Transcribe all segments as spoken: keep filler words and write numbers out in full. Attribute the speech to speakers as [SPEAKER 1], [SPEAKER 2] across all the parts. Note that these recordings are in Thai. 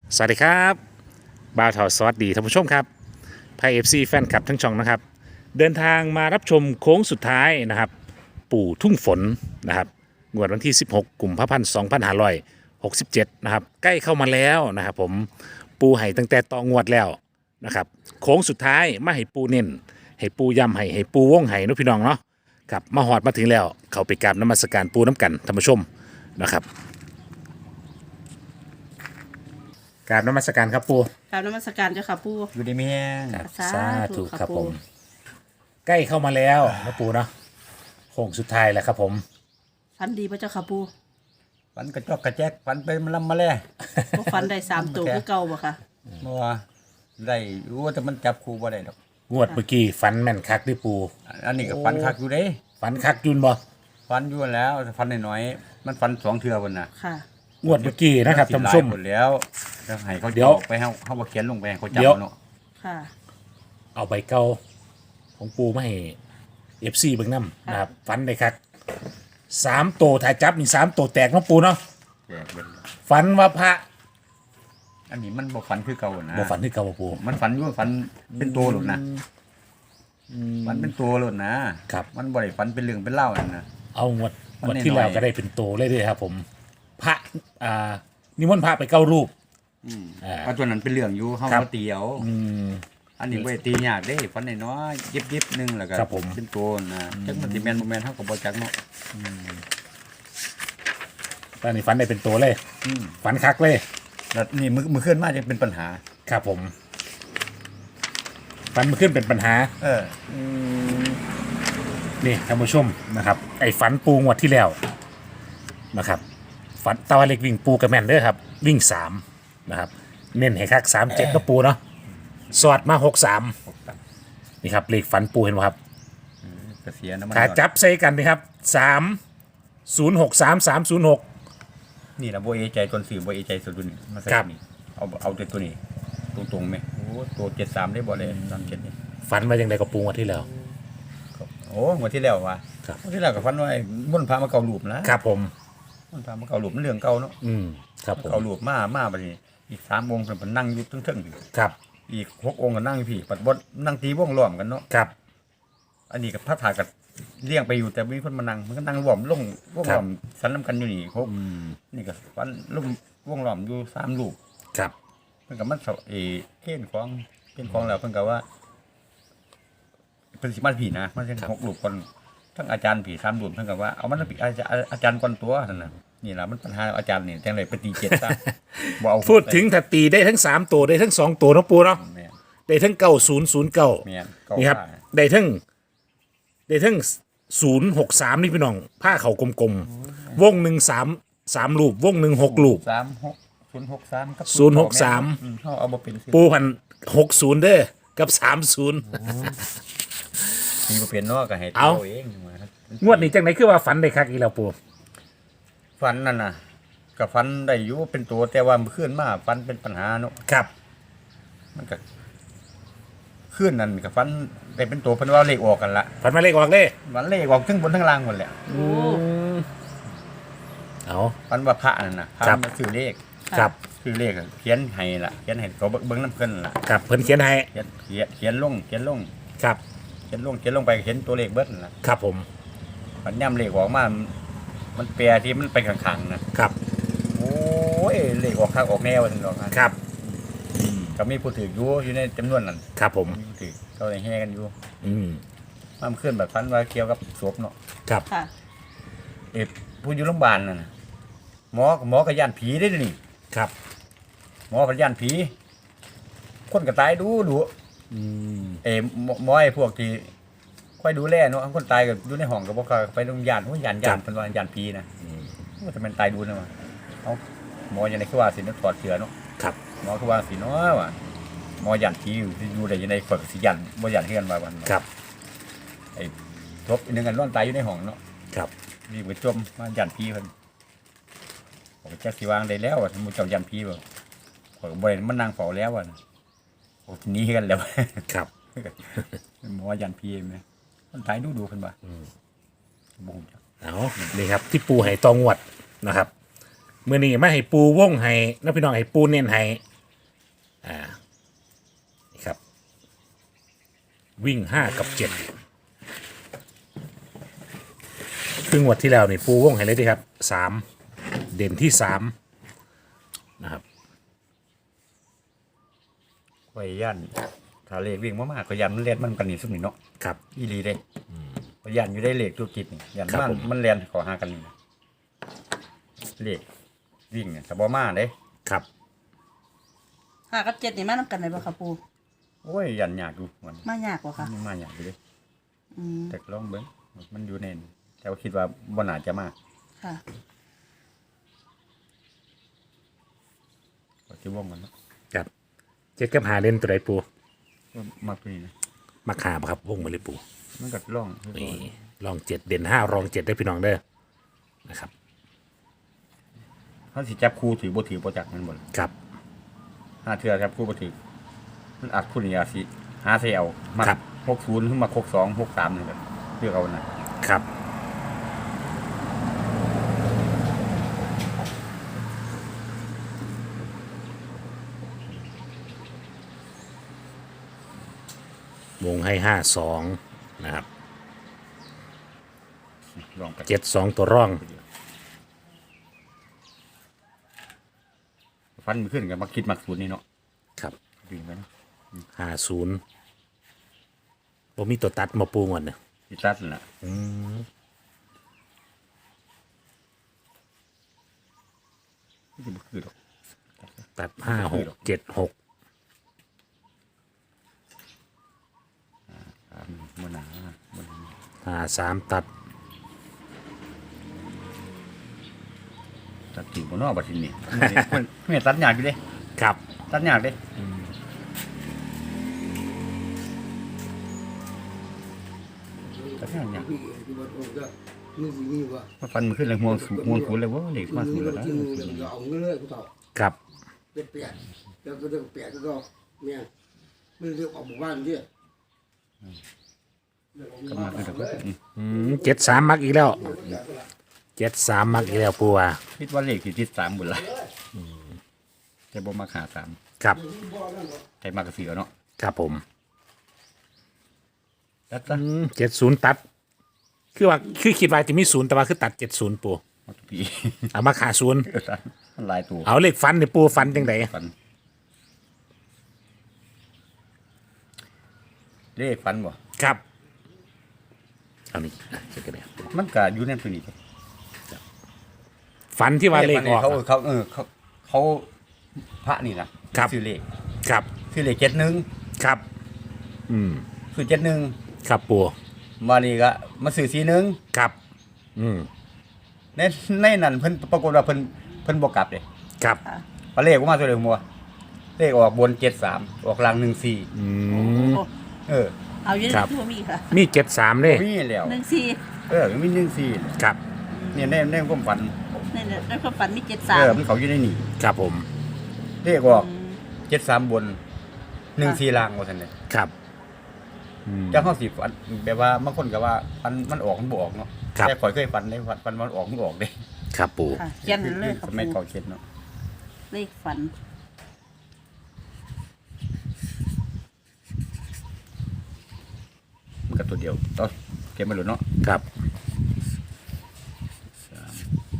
[SPEAKER 1] สวัสดีครับบ่าวเถาสวัสดีท่านผู้ชมครับไพเอฟซีแฟนคลับทั้งช่องนะครับเดินทางมารับชมโค้งสุดท้ายนะครับปู่ทุ่งฝนนะครับงวดวันที่สิบหกกุมภาพันธ์สองพันห้าร้อยหกสิบเจ็ดนะครับใกล้เข้ามาแล้วนะครับผมปูให้ตั้งแต่ต่องวดแล้วนะครับโค้งสุดท้ายมาให้ปูเน้นให้ปูย้ำให้ให้ปูวงให้เนุพี่น้องเนาะครับมาหอดมาถึงแล้วเขาไปกราบนมัสการปูน้ำกันท่านผู้ชมนะครับกราบนมัสการครับปู
[SPEAKER 2] กราบนมัสการเจ้าค่ะปู่
[SPEAKER 3] อยู่ดีมีแห้ง
[SPEAKER 1] ครับ
[SPEAKER 2] สา
[SPEAKER 1] สา
[SPEAKER 2] ธุ
[SPEAKER 1] ธุ
[SPEAKER 2] ครับ
[SPEAKER 1] ครับ
[SPEAKER 2] ปู่
[SPEAKER 1] ผม ใกล้เข้ามาแล้วนะปูเนาะโค้งสุดท้ายแล้วครับผม
[SPEAKER 2] ฟันดีพระเจ้าค่ะปู่
[SPEAKER 3] ฟันกระจอกกระแจกฟันไปมันลำมาแล้ว
[SPEAKER 2] บ่ฟันได้สามตัวคือเก่าบ่ค่ะ
[SPEAKER 3] เมื่อว่าได้รู้ว่าแต่มันจับครูบ่ได้ดอก
[SPEAKER 1] งวดเมื่อกี้ฝันแม่นคักดิปู
[SPEAKER 3] อันนี้ก็ฟันคักอยู่เด้
[SPEAKER 1] ฝันคักยุนบ่
[SPEAKER 3] ฟันอยู่แล้วฟันน้อยๆมันฟันสองเทื่อบนน่ะ
[SPEAKER 2] ค่ะ
[SPEAKER 1] งวดเมื่อกี้นะครับท่านผู้ชม
[SPEAKER 3] หมดแล้วแล้วให้เขา
[SPEAKER 1] เดี๋ยว
[SPEAKER 3] ไปเฮาเฮาบ่เขียนลงไปให้เขาจับ
[SPEAKER 1] เดี๋ยว
[SPEAKER 3] เนาะ
[SPEAKER 2] ค่ะ
[SPEAKER 1] เอาใบเก่าของปูมาให้เอฟซีเบิ่งน้ำนะครับฝันได้คักสามตัวถ่ายจับนี่สามตัวแตกเนาะปูเนาะ
[SPEAKER 3] แจกเบิด
[SPEAKER 1] ฝันว่าพระ
[SPEAKER 3] อันนี้มันบ่ฟันคือเก่านะ
[SPEAKER 1] บ่ฝันที่เก่าบ่ปู
[SPEAKER 3] มันฟันอยู่ฟันเป็นตัวหลุดนะมันเป็นตัวหลุดนะครับ มันบ่ได้ฟันเป็นเรื่องเป็นเล่าวนั่นนะ
[SPEAKER 1] เอางวด
[SPEAKER 3] มัน
[SPEAKER 1] งวดที่แล้ว
[SPEAKER 3] น้อยๆ
[SPEAKER 1] ก็ได้เป็นโตเลยเด้วยครับผม พระอ่านิมนต์พระไปเก้ารูป
[SPEAKER 3] อืม
[SPEAKER 1] อ่า
[SPEAKER 3] เพราะตัวนั้นเป็นเรื่องอยู่เฮา
[SPEAKER 1] ครับ
[SPEAKER 3] มาเตียว
[SPEAKER 1] อืม
[SPEAKER 3] อันนี้บ่ได้ตียากเด้ฟันน้อยๆยิบๆนึงแล้วก็
[SPEAKER 1] ครับผม
[SPEAKER 3] เป็นตัวนะจักมันสิแม่นบ่แม่นเฮาก็บ่จักเนาะ
[SPEAKER 1] ตอนนี้ฝันได้เป็นตัวเลย
[SPEAKER 3] อืม
[SPEAKER 1] ฝันคักเลย
[SPEAKER 3] แล้วนี่มือมือเคลื่อนมาจะเป็นปัญหา
[SPEAKER 1] ครับผมฝันมันขึ้นเป็นปัญหา
[SPEAKER 3] เออ
[SPEAKER 1] นี่ท่านผู้ชมนะครับ ไอ้ฝันปูงวดที่แล้วนะครับ ฝันตะวันเล็กวิ่งปูกระแมนเด้อครับ วิ่งสามนะครับ เน้นให้คักสามเจ็ดก็ปูเนาะสอดมาหกสามนี่ครับเลขฝันปูเห็นไหมครับ
[SPEAKER 3] กระเสียน้ำมัน
[SPEAKER 1] ขาจับใส่กันนะครับสามศูนย์หกสามสามศูนย์หก
[SPEAKER 3] นี่นะโบเอใจตนสื่อโบเอใจสุดตัวนี้มาใส่
[SPEAKER 1] ครับ
[SPEAKER 3] นี่เอาเอาแต่ตัวนี้ตรงตรงๆไหมโอ้ตัวเจ็ดสามได้บ่เลยสามเจ็ดนี่
[SPEAKER 1] ฝันมาอย่างไรกับปูงวดที่แล้ว
[SPEAKER 3] โอ้งวดที่แล้วว่ะ
[SPEAKER 1] ครับ
[SPEAKER 3] งวดที่แล้วกับฟันว่าไอ้ม่วนพามาเกาหลูบนะครับ
[SPEAKER 1] ผม
[SPEAKER 3] ม่วนพามาเกาหลูบมันเรื่องเก่าเนาะ
[SPEAKER 1] อืมครับผม
[SPEAKER 3] เกาหลูบมามาบัดนี้อีกสามองค์เพิ่นเพิ่นนั่งอยู่เทิงๆอยู่
[SPEAKER 1] ครับ
[SPEAKER 3] อีกหกองค์ก็นั่งอยู่พี่ปัดบดนั่งตีวงล้อมกันเนาะ
[SPEAKER 1] ครับ
[SPEAKER 3] อันนี้กับพระถากับเลี้ยงไปอยู่แต่มีคนมานั่งมันก็นั่งรวมลงวงล้อมสันน้ำกันอยู่นี่ครบ
[SPEAKER 1] อืม
[SPEAKER 3] นี่ก็ฟันลุ่มวงล้อมอยู่สามลูก
[SPEAKER 1] ครับ
[SPEAKER 3] เพิ่นก็มันเสาเอเก้นของเก้นของแล้วเพิ่นก็ว่าเพิ่นสิมาผีนะมันเป็นหกลูกคนทั้งอาจารย์ผีสามลูกเพิ่นก็ว่าเอามันผีอาจารย์อาจารย์ก่อนตัวนั่นน่ะนี่ล่ะมันปัญหาอาจารย์นี่จังได๋ไปตีเจ็ดซะบ่เอา
[SPEAKER 1] พูดถึงถ้าตีได้ทั้งสามตัวได้ทั้งสองตัวเนาะปูเนาะ
[SPEAKER 3] แม่น
[SPEAKER 1] ได้ทั้งเก้าศูนย์ศูนย์เก้า
[SPEAKER 3] แม่นเก้า
[SPEAKER 1] นี่ครับ
[SPEAKER 3] ผ้า
[SPEAKER 1] ได้ทั้งได้ทั้งศูนย์หกสามนี่พี่น้อง ผ้าเขากลมๆ วงหนึ่งสามสามลูก วงหนึ่งหกลูก
[SPEAKER 3] สามหกศูนย์หกสามกับ
[SPEAKER 1] ศูนย์หกสาม
[SPEAKER 3] อืเฮาเอาบ่เป็นสิ
[SPEAKER 1] ปูพันหกศูนย์เด้อกับสามศูนย์
[SPEAKER 3] ตีบ่เป็นเนาะก็ให้
[SPEAKER 1] เอา
[SPEAKER 3] เองมาครับ
[SPEAKER 1] งวดนี้จังไหนคือว่าฝันได้คักอีกแล้วปู
[SPEAKER 3] ฟันนั่นน่ะก็ฟันได้อยู่เป็นตัวแต่ว่ามื้อคืนมาฟันเป็นปัญหาเนาะ
[SPEAKER 1] ครับ
[SPEAKER 3] มันก็คืนนั่นก็ฟันได้เป็นตัวเพิ่นว่าเลขออกกันละ
[SPEAKER 1] ฝันมาเลขออกเลย
[SPEAKER 3] มันเลขออกทั้งบนทั้งล่างหมดแหละ
[SPEAKER 2] โอ้
[SPEAKER 1] เอา
[SPEAKER 3] ฟันว่าพระนั่นน่ะพระ
[SPEAKER 1] ครับ
[SPEAKER 3] มาซื้อเลข
[SPEAKER 1] ครับ
[SPEAKER 3] ซื้อเลขอะเขียนให้ล่ะเขียนให้เขาเบิ่งน้ำเพิ่นล่ะ
[SPEAKER 1] ครับเพิ่นเขียนให้
[SPEAKER 3] เขียนเขียนเขียนลงเขียนลง
[SPEAKER 1] ครับ
[SPEAKER 3] เขียนลงเขียนลงไปเขียนตัวเลขเบิดนั่นล่ะ
[SPEAKER 1] ครับผม
[SPEAKER 3] มันย่ำเลขออกมามันแปรที่มันไปข้างๆนะครับ โอ้ยเลขออกข้างออกแนวซั่นดอกนะครับ ก็มีผู้ถืออยู่อยู่ในจำนวนนั้น
[SPEAKER 1] ครับผม
[SPEAKER 3] มีผู้ถือเขาได้แห่กันอยู่
[SPEAKER 1] อืม
[SPEAKER 3] มันขึ้นแบบฟันว่าเกี่ยวกับศพเนาะ
[SPEAKER 1] ครับ
[SPEAKER 2] ค่ะ
[SPEAKER 3] เอ็ดผู้อยู่โรงพยาบาลนั่นน่ะหมอหมอก็ย่านผีได้อนี่
[SPEAKER 1] ครับ
[SPEAKER 3] หมอก็ย่านผี คนก็ตายดูดู
[SPEAKER 1] อืม
[SPEAKER 3] เอ้หมอหมอไอ้พวกที่ค่อยดูแลเนาะคนตายก็อยู่ในห้องก็บ่ค่อยไปโรงพยาบาลโอ้ยย่านย่านเพิ่นว่าย่านผีนะว่าจะมันตายดูนะว่าเอ้าหมอยังไดคือว่าสิเนาะถอดเสื้อเนาะ
[SPEAKER 1] ครับ
[SPEAKER 3] หมอคือว่าสิเนาะว่าหมอย่านผีอยู่อยู่ได้ยังไดฝึกสิย่านบ่ย่านเฮือนว่าวัน
[SPEAKER 1] ครับ
[SPEAKER 3] ไอ้ทบอีกหนึงกันนอนตายอยู่ในห้องเนาะ
[SPEAKER 1] ครับ
[SPEAKER 3] รีบไปจมมาย่านผีเพิ่นผมจักสิวางได้แล้วว่าหมู่เจ้าย่านผีบ่ข่อยก็บ่ได้มานั่งเฝ้าแล้วว่าโอ้หนีกันแล้ว
[SPEAKER 1] ครับ
[SPEAKER 3] หมอยันพีไหมมันถ่ายดูดูขึ้นมาบูม
[SPEAKER 1] เอานี่ครับที่ปูให้ตองวดนะครับเมื่อนี้มาให้ปูว่องให้น้องพี่น้องให้ปูเน้นให้อ่านี่ครับ วิ่งห้ากับเจ็ดครึ่งวัดที่แล้วนี่ปูวงให้เลยดีครับสามเด่นที่สามนะครับ
[SPEAKER 3] ข่อยย่านถ้าเลขวิ่งมากๆข่อยย่านมันเลียนมันกันนี่ซุ่มนี่เนาะ
[SPEAKER 1] ครับ
[SPEAKER 3] อีหลีเด้ข่อยย่านอยู่ได้เลขธุรกิจนี่ย่าน
[SPEAKER 1] ครับ
[SPEAKER 3] มัน
[SPEAKER 1] ผม
[SPEAKER 3] มันเลียนขอหากันนี่นะเลขวิ่งเนี่ยแต่บ่มาเด้
[SPEAKER 1] ครับ
[SPEAKER 2] ห้ากับเจ็ดนี่มานำกันได้บ่ค่ะปู
[SPEAKER 3] โอ้ยย่านยากอยู่มัน
[SPEAKER 2] มายากกว่าค่ะ
[SPEAKER 3] มันมายากอยู่เด้
[SPEAKER 2] อืม
[SPEAKER 3] แต่ลองเบิ่งมันอยู่ในนี่แต่ว่าคิดว่าบ่น่าจะมา
[SPEAKER 2] ค่ะ
[SPEAKER 3] ก็สิวงมันเนาะ
[SPEAKER 1] ครับเจ็ดกับหาเล่นตัวใดปู
[SPEAKER 3] ก็มากตัวนี้นะ
[SPEAKER 1] มาขาบครับวงมาเลยปู
[SPEAKER 3] มันก็ล่อง
[SPEAKER 1] นี่ลองเจ็ดเด่นห้ารองเจ็ดได้พี่น้องเด้อนะครับ
[SPEAKER 3] เขาสิจับคู่ถือบ่ถือบ่จักมันบ่ล่ะ
[SPEAKER 1] ครับ
[SPEAKER 3] ห้าเทื่อจับคู่บ่ถือมันอัดคู่นี่อาจสิหาใส่เอามา
[SPEAKER 1] ครับ
[SPEAKER 3] หกศูนย์ขึ้นมาหกสอง หกสามนี่ก็เลือกเอานะครับ
[SPEAKER 1] วงให้ห้าสองนะครับ
[SPEAKER 3] ลองไป
[SPEAKER 1] เจ็ดสองตัวร่อง
[SPEAKER 3] ฟันมันขึ้นกันมาคิดมักศูนย์นี่เนาะ
[SPEAKER 1] ครับ
[SPEAKER 3] วิ่งไปเนาะ
[SPEAKER 1] ห้าศูนย์ผมมีตัวตัดมาปูก่อนเนี่ย
[SPEAKER 3] สิตัดนั่นล่ะ
[SPEAKER 1] อืม
[SPEAKER 3] มันสิบ่คือดอก
[SPEAKER 1] ตัดห้าหกเจ็ดหก
[SPEAKER 3] อ่าบ่หนาบ่หนา
[SPEAKER 1] ห้าสามตัด
[SPEAKER 3] ตัดถึงบ่เนาะบัดทีนี้มันมันตัดยากอยู่เด้
[SPEAKER 1] ครับ
[SPEAKER 3] ตัดยากเด้ตัดยากยาก มาฟันมันขึ้นเลยห่วงสูงห่วงศูนย์เลยว่าเด็กมาศูนย์แล้วนะ
[SPEAKER 1] ครับ
[SPEAKER 4] เป็นแปดแล้วก็เรื่องแปดก็เนี่ยไม่เรียกออกหมู่บ้านที่
[SPEAKER 3] ก็มาขึ้นแล้วอืม
[SPEAKER 1] อืมเจ็ดสามมักอีกแล้วเจ็ดสามมักอีกแล้วปูว่า
[SPEAKER 3] คิดว่าเลขที่ติดสามหมดละแต่บ่มาขาสาม
[SPEAKER 1] ครับ
[SPEAKER 3] ใครมากระเสือเนาะ
[SPEAKER 1] ครับผม
[SPEAKER 3] แล้วก็
[SPEAKER 1] เจ็ดศูนย์ตัด คือว่าคือคิดว่าจะมีศูนย์แต่ว่าคือตัดเจ็ดศูนย์ปู
[SPEAKER 3] มาทุกปี
[SPEAKER 1] เอามาขาศูนย์
[SPEAKER 3] มันหลายตัว
[SPEAKER 1] เอาเลขฟันเนี่ยปูฟันจังได
[SPEAKER 3] ฟันเลขฟันบ่
[SPEAKER 1] ครับเอานี่อ่ะเช็คกันเลยครับ
[SPEAKER 3] มันก็อยู่ในตัวนี้
[SPEAKER 1] ฟันที่ว่าเลขออก
[SPEAKER 3] เขา
[SPEAKER 1] อะ
[SPEAKER 3] เขาเออเขาเขาพระนี่นะครับ ซื้อเลข
[SPEAKER 1] ครับ
[SPEAKER 3] ซื้อเลขเจ็ดหนึ่ง
[SPEAKER 1] ครับ อืม
[SPEAKER 3] ซื้อเจ็ดหนึ่ง
[SPEAKER 1] ครับปู
[SPEAKER 3] มานี่ก็มาซื้อสี่หนึ่ง
[SPEAKER 1] ครับ อืม
[SPEAKER 3] ในในนั้นเพิ่นปรากฏว่าเพิ่นเพิ่นบ่กลับเด้
[SPEAKER 1] ครับ
[SPEAKER 2] ค่ะ
[SPEAKER 3] พอเลขออกมาตัวเดียวมัวเลขออกบนเจ็ดสามออกล่างหนึ่งสี่
[SPEAKER 1] อืม
[SPEAKER 2] โอ้
[SPEAKER 3] เออ
[SPEAKER 2] เอาอยู่ใน
[SPEAKER 1] ครับ
[SPEAKER 2] ตัวมีค่ะ
[SPEAKER 1] มีเจ็ดสามเลย
[SPEAKER 3] มีแล้ว
[SPEAKER 2] หนึ่งสี่
[SPEAKER 3] เออมีหนึ่งสี่
[SPEAKER 1] ครับ
[SPEAKER 3] เนี่ยในในความฝัน
[SPEAKER 2] ในในความฝันมีเจ็ดสา
[SPEAKER 3] เอ
[SPEAKER 2] ม
[SPEAKER 3] อมันเขาอยู่ในนี่
[SPEAKER 1] ครับผม
[SPEAKER 3] เลขออกเจ็ดสามบนหนึ่งสี่ล่างว่าซั่นเลย
[SPEAKER 1] ครับอืม
[SPEAKER 3] จังเฮาสิฝันแบบว่าบางคนก็ว่าฝันมันออกมันบ่ออกเนาะ
[SPEAKER 1] ครับ
[SPEAKER 3] แต่ข่อยเคยฝันได้ฝันฝันมันออกมันออกเด้
[SPEAKER 1] ครับปู
[SPEAKER 2] ค่ะเขียนเลยค่ะ
[SPEAKER 3] สมัย
[SPEAKER 2] ปู
[SPEAKER 3] เก่าเจ็ดเนาะ
[SPEAKER 2] เลขฝัน
[SPEAKER 3] มันก็ตัวเดียวต่อเก็บมาหลุดเนาะ
[SPEAKER 1] ครับ
[SPEAKER 3] สาม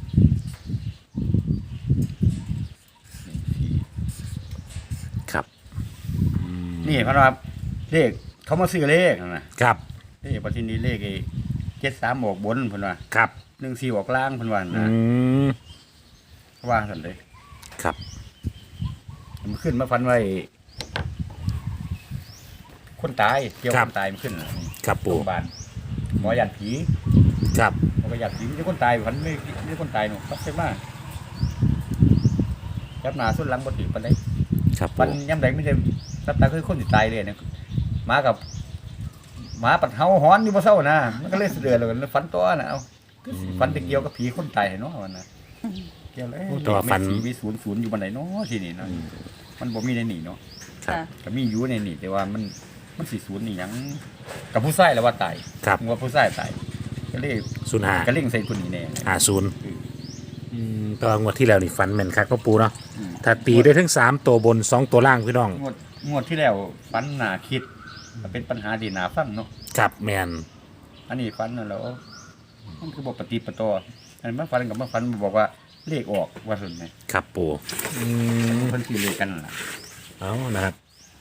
[SPEAKER 3] หนึ่งสี่
[SPEAKER 1] ครับ
[SPEAKER 3] นี่เพราะว่าเลขเขามาซื้อเลขนั่นน่ะ
[SPEAKER 1] ครับ
[SPEAKER 3] เลขปัจจุบันนี้เลขไอ้เจ็ดสามออกบนเพิ่นว่า
[SPEAKER 1] ครับ
[SPEAKER 3] หนึ่งสี่ออกล่างเพิ่นว่า
[SPEAKER 1] อื
[SPEAKER 3] นะ
[SPEAKER 1] ม
[SPEAKER 3] ว่าซั่นเลย
[SPEAKER 1] ครับ
[SPEAKER 3] มันขึ้นมาฟันไว้คนตายเกี่ยวคนตายมันขึ้นน่ะ
[SPEAKER 1] ครับ
[SPEAKER 3] โร
[SPEAKER 1] ปู
[SPEAKER 3] งพยาบาลหมอยันผี
[SPEAKER 1] ครับ
[SPEAKER 3] หมอก็ยันผีมีคนตายฟันไม่มีคนตายหนูครับใช่ไหมยับหน้าสุดหลังบ่ถือปานใด
[SPEAKER 1] ครับ
[SPEAKER 3] ฟั
[SPEAKER 1] ปู
[SPEAKER 3] นย้ำใดไม่ได้รับตาคือคนสิตายเลยเนี่ยหมากับหมาปัดเฮาหอนอยู่บ่เศร้านะมันก็เลยเสือแล้วกันฟันตัวน่ะเอาฟันไปเกี่ยวกับผีคนตายเนาะมันน่ะเกี่ยวเลยมีศูนย์ศูนย์อยู่บันไดเนาะที่นี่เนาะมันบ่มีในนี่เนาะ
[SPEAKER 1] ครับ
[SPEAKER 2] ค่ะ
[SPEAKER 3] ก็มีอยู่ในนี่แต่ว่ามันมันสิศูนย์นี่หยังกับผู้ชายแล้วว่าตาย
[SPEAKER 1] ครับ
[SPEAKER 3] งัวผู้ชายตายก็เลย
[SPEAKER 1] ศูนย์ห้า
[SPEAKER 3] ก็เล่งใส่คนนี้แน่
[SPEAKER 1] ห้าศูนย์อืมก็งวดที่แล้วนี่ฟันแม่นคักก็ปูเนาะ
[SPEAKER 3] อืม
[SPEAKER 1] ถ้าตีได้ทั้งสามตัวบนสองตัวล่างพี่น้อง
[SPEAKER 3] งวดงวดที่แล้วฟันหนาคิดมันเป็นปัญหาดีหนาฟังเนาะ
[SPEAKER 1] ครับแมน
[SPEAKER 3] อันนี้ฟันน่ะแล้วมันคือบอกปฏิปต่ออันนี้มาฟันกับมาฟันบอกว่าเลขออกว่าสุดไง
[SPEAKER 1] ครับปูอืม
[SPEAKER 3] เพิ่นสิเลขกันนั่นล่ะ
[SPEAKER 1] เอานะครับ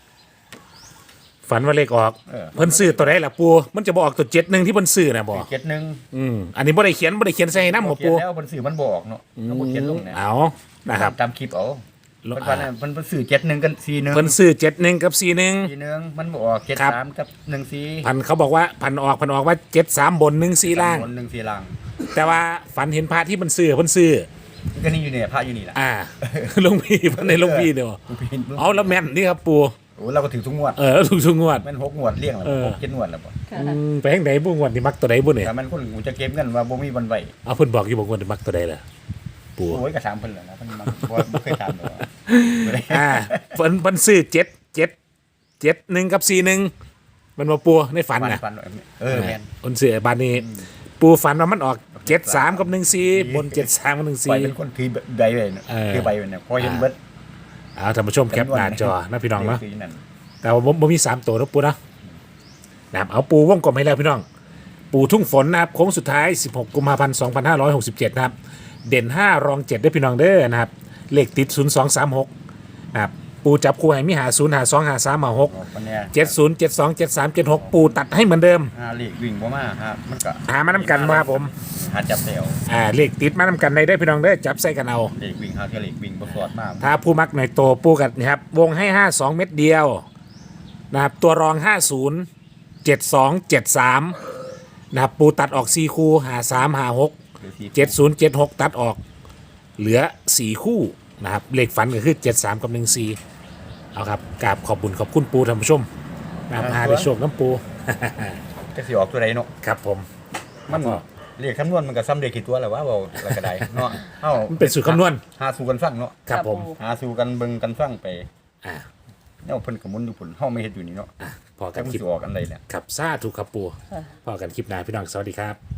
[SPEAKER 1] ฝันว่าเลขออก
[SPEAKER 3] เออ
[SPEAKER 1] เพิ่นซื้อตัวใดล่ะปูมันจะบออกตัวเจ็ดหนึ่งที่เพิ่นซื้อนะบอ
[SPEAKER 3] เจ็ดหนึ่ง
[SPEAKER 1] อืมอันนี้บ่ได้เขียนบ่ได้เขียนใส่น้ำหัว
[SPEAKER 3] เขีย
[SPEAKER 1] ปู
[SPEAKER 3] นแล้วเพิ่นสื่อมันบอกเนาะแล้วบ่เขียนลงเนี่ย
[SPEAKER 1] เอานะครับ
[SPEAKER 3] ตามคลิปเอา
[SPEAKER 1] ลง
[SPEAKER 3] เพิ่นว่าเนี่ยเพิ่นเพิ่นสื่อเจ็ดหนึ่งกันสี่หนึ่ง
[SPEAKER 1] เพิ่นซื้อเจ็ดหนึ่งกับสี่หนึ่ง
[SPEAKER 3] สี่หนึ่งมันบอกเจ็ด
[SPEAKER 1] ครับ
[SPEAKER 3] สามกับหนึ่งสี่
[SPEAKER 1] พันเขาบอกว่าพันออกพันออกว่าเจ็ดสามบนหนึ่งสี่ล่าง
[SPEAKER 3] บนหนึ่งสี่ล่าง
[SPEAKER 1] แต่ว่าฝันเห็นพระที่มันซื้อเพิ่นซื้อ
[SPEAKER 3] มันก็นี่อยู่เนี่ยพระอยู่นี่แหละ
[SPEAKER 1] อ่า หลวงพี่เพิ่นในหลวงพี่เด้อ
[SPEAKER 3] หลวงพี่
[SPEAKER 1] เอาแล้วแม่นนี่ครับปู
[SPEAKER 3] โอ้เราก็ถือทุกงวด
[SPEAKER 1] เออถูกทุกงวด
[SPEAKER 3] แม่นหกงวดเลี้ยงแล้ว
[SPEAKER 1] เออ
[SPEAKER 3] หกเจ็ดงวดแล้วบ่
[SPEAKER 2] ค่ะ
[SPEAKER 1] อืมไปทางไหนบุ้งวันที่มักตัวใดบุ้เนี่ย
[SPEAKER 3] แต่มันคนกูจะเก็บเงินว่าบ่มีวันไหว
[SPEAKER 1] เอาเพิ่นบอกอยู่บอกว่าที่มักตัวใดล่ะปู
[SPEAKER 3] โอ้ยก็ถามเพิ่นแหละนะเพิ่นมาบ่บ่เคยถามหรอก
[SPEAKER 1] อ่าเพิ่นเพิ่นซื้อเจ็ดเจ็ดเจ็ดหนึ่งกับสี่หนึ่งมันมาปูในฝัน
[SPEAKER 3] ฟัน
[SPEAKER 1] น่ะ
[SPEAKER 3] ฟันเออแม่น
[SPEAKER 1] เพิ่นซื้อบ้านนี้ ปูฝันว่ามันออกเจ็ดสามกับหนึ่งสี่บนเจ็ดสามกับหนึ่ง
[SPEAKER 3] ไป
[SPEAKER 1] สี่
[SPEAKER 3] เป็นคนถือใบไว้เนาะ
[SPEAKER 1] เออ
[SPEAKER 3] ถือใบไว้เนี่ยพอเห็นเบิด
[SPEAKER 1] เอาท่านผู้ชมแคปหน้าจอนะพี่น้องเนาะ
[SPEAKER 3] ถืนั่น
[SPEAKER 1] แต่ว่าบ่มีสามตัวนะปูนะนะครับเอาปูวงกลมให้แล้วพี่น้อง ปูทุ่งฝนนะครับโค้งสุดท้าย สิบหก กุมภาพันธ์ สองพันห้าร้อยหกสิบเจ็ด นะครับ เด่น ห้า รอง เจ็ด ได้พี่น้องเด้อนะครับ เลขติด ศูนย์ สอง สาม หก นะครับ ปูจับคู่ให้มีหาศูนย์หาสองหาสามหาหก
[SPEAKER 3] ออกวันเนี้ย
[SPEAKER 1] เจ็ดศูนย์เจ็ดสองเจ็ดสามเจ็ดหกปูตัดให้เหมือนเดิม
[SPEAKER 3] หาเลขวิ่งบ่มาฮะมันก็
[SPEAKER 1] หามานำกันมาครับผม
[SPEAKER 3] หาจับแถว
[SPEAKER 1] อ่าเลขติดมานำกันในได้อพี่น้องเด้อจับใส่กันเอา
[SPEAKER 3] เลขวิ่งหาเที่ยวเลขวิ่งบ่สอดมาก
[SPEAKER 1] ถ้าผู้มักหน่อยโตปูกันนะครับวงให้ ห้าสอง เม็ดเดียวนะครับตัวรอง ห้าศูนย์ เจ็ดสอง เจ็ดสาม นะครับปูตัดออกสี่คู่หาสามหาหก
[SPEAKER 3] หรือที่
[SPEAKER 1] เจ็ดศูนย์เจ็ดหกตัดออก เหลือสี่คู่นะครับเลขฝันก็คือเจ็ดสามกับหนึ่งสี่เอาครับกราบขอบบุญขอบคุณปูท่านผู้ชมนะครับหาได้โชคน้ำปู
[SPEAKER 3] จะสิออกตัวใดเนาะ
[SPEAKER 1] ครับผม
[SPEAKER 3] มันเลขคำนวณมันก็ซ้ำเลขกี่ตัวแล้ววะเว้าแล้วก็ได้เนาะเอ้า
[SPEAKER 1] มันเป็นสูตรคำนวณ
[SPEAKER 3] หาสู่กันฟังเนาะ
[SPEAKER 1] ครับผม
[SPEAKER 3] หาสู่กันเบิ่งกันฟังไป
[SPEAKER 1] อ่า
[SPEAKER 3] แนวเพิ่นก็หมุนอยู่พุ่นเฮาไม่เฮ็ดอยู่นี่เนาะ
[SPEAKER 1] อ่ะพอกั
[SPEAKER 3] แต่
[SPEAKER 1] น
[SPEAKER 3] มัน
[SPEAKER 1] คลิป
[SPEAKER 3] สิออกอันใดเนี่ย
[SPEAKER 1] ครับซาถูกครับปู
[SPEAKER 2] ค่ะ
[SPEAKER 1] พอกันคลิปหน้าพี่น้องสวัสดีครับ